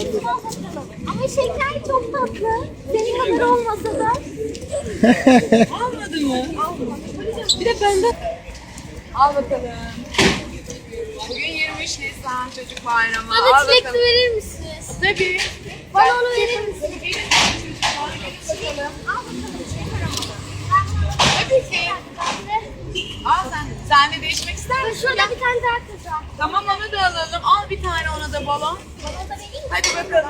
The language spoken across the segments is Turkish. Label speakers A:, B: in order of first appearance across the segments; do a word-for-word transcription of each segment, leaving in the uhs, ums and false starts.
A: Ama şeker çok tatlı. Senin kadar olmasa da.
B: Almadı mı? Bir de benden. Al bakalım. Bugün yirmi üç Nisan Çocuk Bayramı.
A: Bana
B: Al
A: çilekli
B: bakalım.
A: verir misiniz?
B: Tabii.
A: Bana onu verir misiniz?
B: Gelin çocuklar, gelin bakalım.
A: Al bakalım şeker ama.
B: Tabii ki. Al sen. Sen de değişmek ister misin?
A: Şurada bir tane daha kız var.
B: Tamam onu da alalım. Al bir tane ona da balon.
A: Bana da vereyim mi?
B: Hadi bakalım.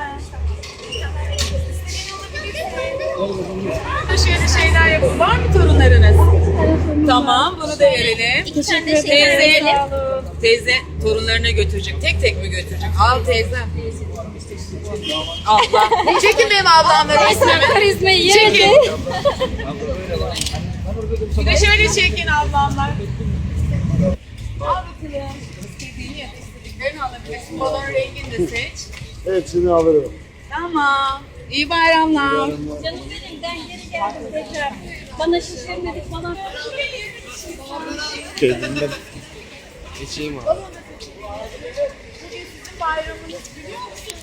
B: Şöyle şeyler yapın. Var mı torunlarınız? Tamam bunu da verelim.
A: İki tane de şeker
B: Teyze,
A: verelim.
B: teyze torunlarına götürecek. Tek tek mi götürecek? Al teyze. Abla. Çekin benim ablamla resmimi.
A: Karizmayı
B: Çekin.
A: yedi.
B: Bir de şöyle çekin ablamlar. Al bakalım. İstediğini yap. İstediklerini alabilirsin. Balon rengini de seç.
C: Evet, şimdi alırım.
B: Tamam. İyi bayramlar.
A: Canım benim ben geri geldim tekrar. Bana şişirmedik falan.
C: Kendimden geçeyim abi.
B: Bugün sizin bayramınız biliyor musunuz?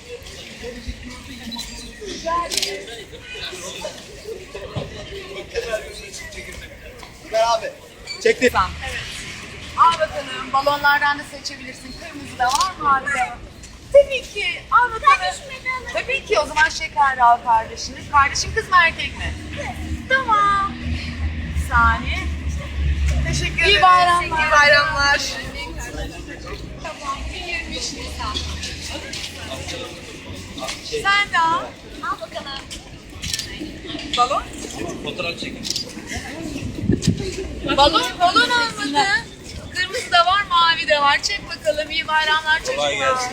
C: Ver abi. Çekti.
B: Tamam. Evet. Al bakalım. Balonlardan da seçebilirsin. Kırmızı da var, mavi de var. Tabii ki. Al bakalım. Tabii ki. O zaman şeker al kardeşini. Kardeşin kız mı erkek mi? Tamam. Bir saniye. Teşekkür ederim. İyi bayramlar. İyi bayramlar. Tamam. yirmi üç Nisan. Sen de al.
A: Al bakalım.
B: Balon?
C: Fotoğraf çekin.
B: Balon, balon almadı. Kırmızı da var, mavi de var. Çek bakalım. İyi bayramlar çocuklar.
C: Kolay gelsin.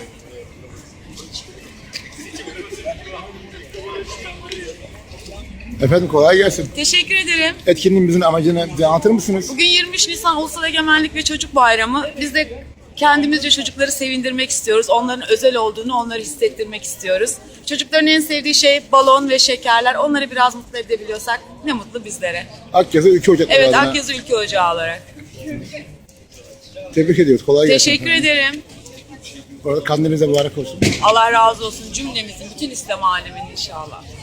D: Efendim kolay gelsin.
B: Teşekkür ederim.
D: Etkinliğimizin amacını bize anlatır mısınız?
B: Bugün yirmi üç Nisan Ulusal Egemenlik ve Çocuk Bayramı. Biz de kendimizce çocukları sevindirmek istiyoruz. Onların özel olduğunu onları hissettirmek istiyoruz. Çocukların en sevdiği şey balon ve şekerler. Onları biraz mutlu edebiliyorsak ne mutlu bizlere.
D: Akyazı Ülke Ocakları
B: Evet,
D: adına
B: Akyazı Ülke Ocağı olarak.
D: tebrik ediyoruz. Kolay gelsin.
B: Teşekkür ederim.
D: Orada kandilinize mübarek olsun.
B: Allah razı olsun cümlemizin, bütün İslam aleminin inşallah.